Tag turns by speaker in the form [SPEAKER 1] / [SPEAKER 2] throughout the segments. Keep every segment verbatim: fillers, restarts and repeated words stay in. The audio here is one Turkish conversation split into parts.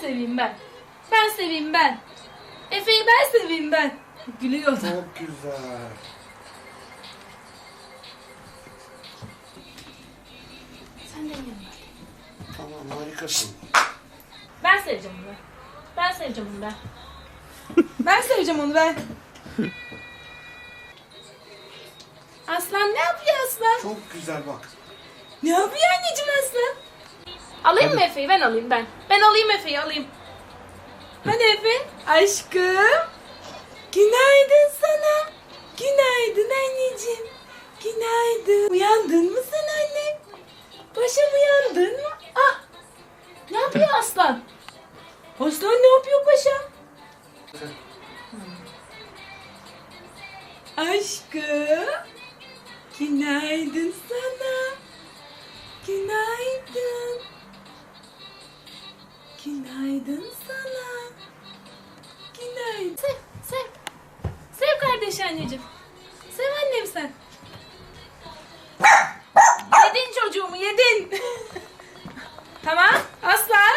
[SPEAKER 1] seveyim ben. Ben seveyim ben. Efe'yi ben seveyim ben. Gülüyor da.
[SPEAKER 2] Çok güzel.
[SPEAKER 1] Sen de yiyin.
[SPEAKER 2] Tamam, harikasın.
[SPEAKER 1] Ben seveceğim onu ben. Ben seveceğim onu ben. Ben seveceğim onu ben. Aslan ne yapıyor Aslan?
[SPEAKER 2] Çok güzel bak.
[SPEAKER 1] Ne yapıyor anneciğim Aslan? Alayım mı Efe'yi? Ben alayım ben. Ben alayım Efe'yi alayım. Hadi Efe. Aşkım. Günaydın sana. Günaydın anneciğim. Günaydın. Uyandın mı sen anne? Paşam uyandın mı? Ah. Ne yapıyor Aslan? Aslan ne yapıyor paşam? Aşkım. Günaydın sana. Günaydın. Günaydın sana. Günaydın. Sev, sev. Sev kardeş anneciğim. Sev annem sen. Yedin çocuğumu, yedin. Tamam, Aslan.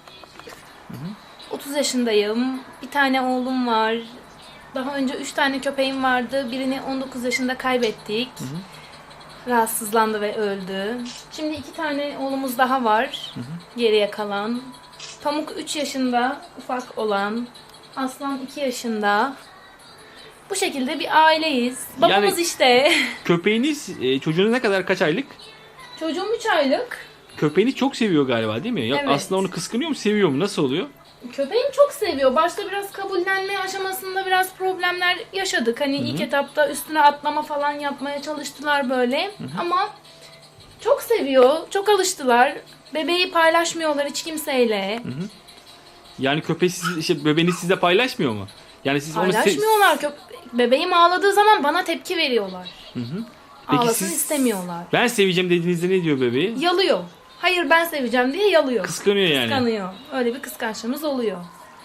[SPEAKER 1] otuz yaşındayım. Bir tane oğlum var. Daha önce üç tane köpeğim vardı. Birini on dokuz yaşında kaybettik. Hı hı. Rahatsızlandı ve öldü. Şimdi iki tane oğlumuz daha var. Hı hı. Geriye kalan. Pamuk üç yaşında ufak olan. Aslan iki yaşında. Bu şekilde bir aileyiz. Babamız
[SPEAKER 3] Yani
[SPEAKER 1] işte.
[SPEAKER 3] Köpeğiniz, e, çocuğunuz ne kadar, kaç aylık?
[SPEAKER 1] Çocuğum üç aylık.
[SPEAKER 3] Köpeğini çok seviyor galiba değil mi? Ya
[SPEAKER 1] Evet.
[SPEAKER 3] aslında onu kıskanıyor mu, seviyor mu? Nasıl oluyor?
[SPEAKER 1] Köpeğim çok seviyor. Başta biraz kabullenme aşamasında biraz problemler yaşadık. Hani
[SPEAKER 3] Hı-hı.
[SPEAKER 1] ilk etapta üstüne atlama falan yapmaya çalıştılar böyle. Hı-hı. Ama çok seviyor. Çok alıştılar. Bebeği paylaşmıyorlar hiç kimseyle.
[SPEAKER 3] Hı-hı. Yani köpeği siz, işte bebeğiniz sizle paylaşmıyor mu? Yani siz onu se-
[SPEAKER 1] Paylaşmıyorlar. Köp- Bebeğim ağladığı zaman bana tepki veriyorlar.
[SPEAKER 3] Hı-hı. Peki
[SPEAKER 1] Ağlasın
[SPEAKER 3] siz,
[SPEAKER 1] istemiyorlar.
[SPEAKER 3] ben seveceğim dediğinizde ne diyor bebeği?
[SPEAKER 1] Yalıyor. Hayır ben seveceğim diye yalıyor.
[SPEAKER 3] Kıskanıyor yani.
[SPEAKER 1] Kıskanıyor. Öyle bir kıskançlığımız oluyor.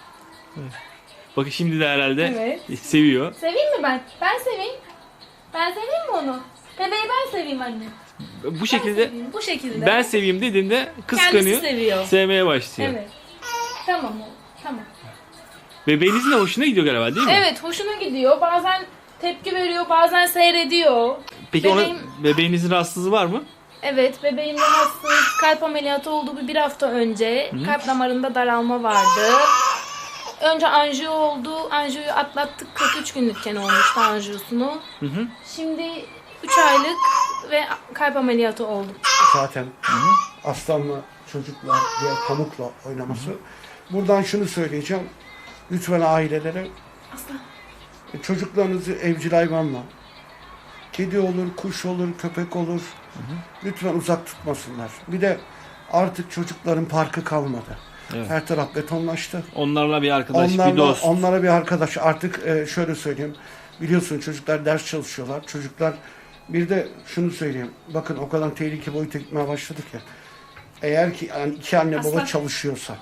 [SPEAKER 3] Bakın şimdi de herhalde
[SPEAKER 1] Evet.
[SPEAKER 3] seviyor.
[SPEAKER 1] Seveyim mi ben? Ben seveyim. Ben seveyim mi onu? Bebeği ben seveyim anne.
[SPEAKER 3] Bu
[SPEAKER 1] Ben
[SPEAKER 3] şekilde
[SPEAKER 1] seveyim, bu şekilde.
[SPEAKER 3] ben seveyim dediğinde kıskanıyor.
[SPEAKER 1] Kendisi seviyor.
[SPEAKER 3] Sevmeye başlıyor.
[SPEAKER 1] Evet. Tamam oğlum. Tamam.
[SPEAKER 3] Bebeğinizin de hoşuna gidiyor galiba değil mi?
[SPEAKER 1] Evet hoşuna gidiyor. Bazen tepki veriyor, bazen seyrediyor.
[SPEAKER 3] Peki
[SPEAKER 1] Bebeğim-
[SPEAKER 3] onun bebeğinizin rahatsızlığı var mı?
[SPEAKER 1] Evet bebeğim rahatsız. Kalp ameliyatı oldu bir, bir hafta önce.
[SPEAKER 3] Hı.
[SPEAKER 1] Kalp damarında daralma vardı. Önce anjiyo oldu. Anjiyoyu atlattık. kırk üç günlükken olmuştu anjiyosunu.
[SPEAKER 3] Hı hı.
[SPEAKER 1] Şimdi üç aylık ve kalp ameliyatı olduk.
[SPEAKER 2] Zaten aslanla çocuklar diğer pamukla oynaması. Buradan şunu söyleyeceğim. Lütfen ailelere
[SPEAKER 1] Aslan.
[SPEAKER 2] e, çocuklarınızı evcil hayvanla, kedi olur, kuş olur, köpek olur. Lütfen uzak tutmasınlar. Bir de artık çocukların parkı kalmadı.
[SPEAKER 3] Evet.
[SPEAKER 2] Her taraf betonlaştı.
[SPEAKER 3] Onlarla bir arkadaş,
[SPEAKER 2] Onlarla,
[SPEAKER 3] bir dost.
[SPEAKER 2] onlara bir arkadaş. Artık e, şöyle söyleyeyim. Biliyorsun çocuklar ders çalışıyorlar. Çocuklar bir de şunu söyleyeyim. Bakın o kadar tehlike boyuta gitmeye başladık ya. Eğer ki yani iki anne baba
[SPEAKER 1] Aslan.
[SPEAKER 2] çalışıyorsa,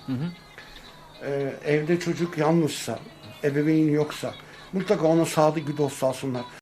[SPEAKER 2] e, evde çocuk yalnızsa, ebeveyn yoksa mutlaka ona sadık bir dost alsınlar.